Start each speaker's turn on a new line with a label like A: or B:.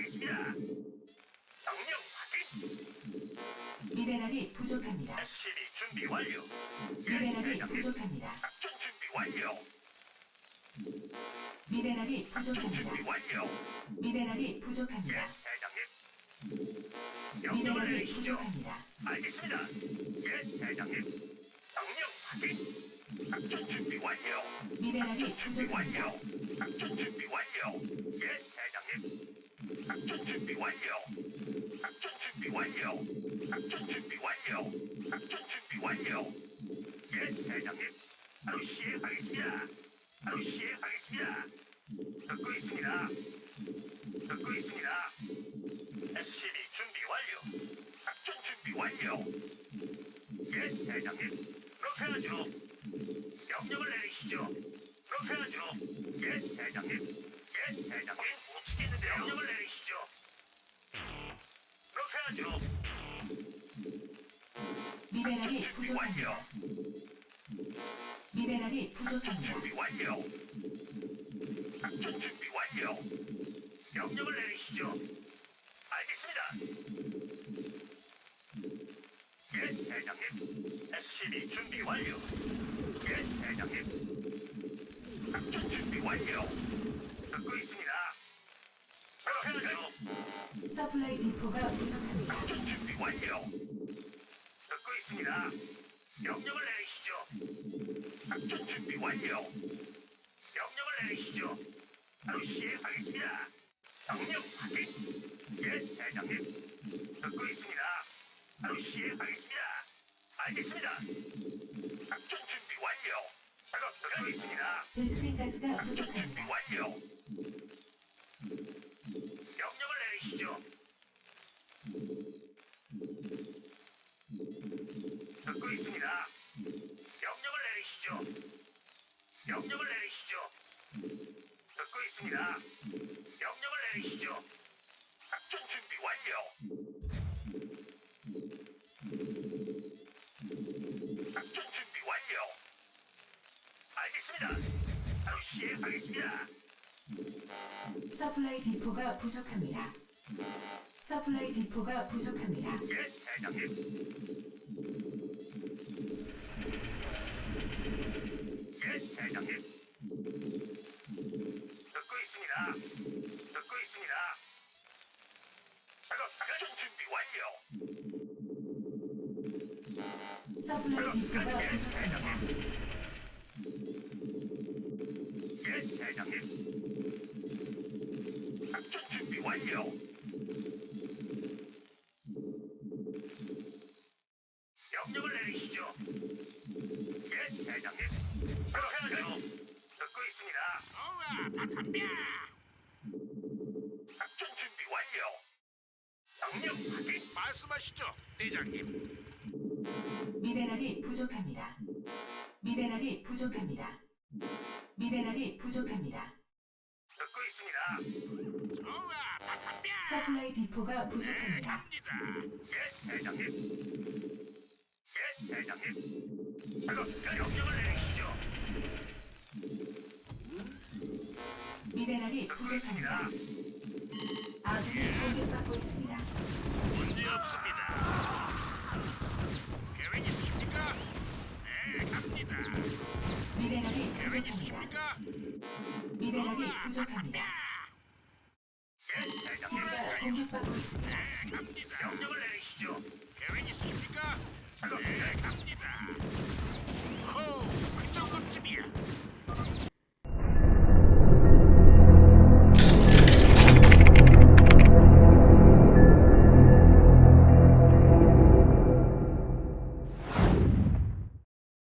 A: 알겠습니다. 명령 확인.
B: 미네랄이 부족합니다.
A: SCB 준비 완료.
B: 미네랄이
A: 대장님.
B: 부족합니다.
A: 작전 준비 완료.
B: 미네랄이
A: 작전
B: 부족합니다.
A: 준비 완료.
B: 미네랄이
A: 예,
B: 부족합니다.
A: 대장님. 명령을
B: 미네랄이
A: 내리시죠.
B: 부족합니다.
A: 알겠습니다. 예, 대장님. 명령 확인. 작전 준비 완료.
B: 미네랄이
A: 작전 준비 완료.
B: 부족합니다.
A: 작전 준비 완료. 예, 대장님. 작전 준비 완료. 작전 준비 완료. 작전 준비 완료. 작전 준비 완료. 예, 대장님. 바로 시행하겠습니다. 바로 시행하겠습니다. 듣고 있습니다. 듣고 있습니다. SCB 준비 완료. 작전 준비 완료. 예, 대장님. 그렇게 하죠. 명령을 내리시죠. 그렇게 하죠. 예, 대장님. 예, 대장님. 움직이는데요. 명령을 내리시죠. 그렇게 하죠.
B: 미네랄이
A: 준비 완료.
B: 부족합니다. 미네랄이
A: 작전
B: 부족합니다.
A: 준비 완료. 작전 준비 완료. 명령을 내리시죠. 알겠습니다. 예, 대장님. SCB 준비 완료. 예, 대장님. 작전 준비 완료. 듣고 있습니다. 그렇게 하죠.
B: 서플라이 디포가 부족합니다.
A: 작전 준비 완료. 듣고 있습니다. 명령을 내리시죠. 작전 준비 완료. 명령을 내리시죠. 바로 시행하겠습니다. 명령 확인. 예, 대장님. 듣고 있습니다. 바로 시행하겠습니다. 알겠습니다. 작전 준비 완료. 작업 듣고 있습니다.
B: 베스핀 가스가
A: 작전 준비
B: 부족합니다.
A: 완료. 명령을 내리시죠. 듣고 있습니다. 명령을 내리시죠. 명령을 내리시죠. 듣고 있습니다. 명령을 내리시죠. 작전 준비 완료. 작전 준비 완료. 알겠습니다. 바로 시행하겠습니다.
B: 서플라이 디포가 부족합니다. 서플라이 디포가 부족합니다.
A: 예, 대장님. 예, 대장님. 듣고 있습니다. 듣고 있습니다. 작업 준비 완료.
B: 서플라이 디포가
A: 예,
B: 부족합니다.
A: 예, 대장님. 작전 준비 완료. 명령을 내리시죠. 예, 대장님. 그렇게 하죠. 듣고 있습니다.
C: 우와, 다 덤벼!
A: 작전 준비 완료. 명령 확인.
C: 말씀하시죠, 대장님.
B: 미네랄이 부족합니다. 미네랄이 부족합니다. 미네랄이 부족합니다.
A: 듣고 있습니다.
C: 우와, 다 덤벼!
B: 서플라이 디포가
C: 네,
B: 부족합니다.
C: 갑니다.
A: 예, 대장님. 예, 대장님. 작업 명령을 내리시죠.
B: 미네랄이
A: 듣고
B: 부족합니다.
A: 있습니다.
B: 아군이 공격받고 있습니다.
C: 문제 없습니다. 계획 있으십니까? 네, 갑니다.
B: 미네랄이
C: 계획
B: 부족합니다.
C: 있으십니까?
B: 미네랄이
C: 우와,
B: 부족합니다.
A: 예, 대장님.
B: 기지가 공격받고 있습니다.
C: 네, 갑니다.
A: 명령을 내리시죠.
C: 계획 있으십니까?
A: 작업
C: 네, 갑니다.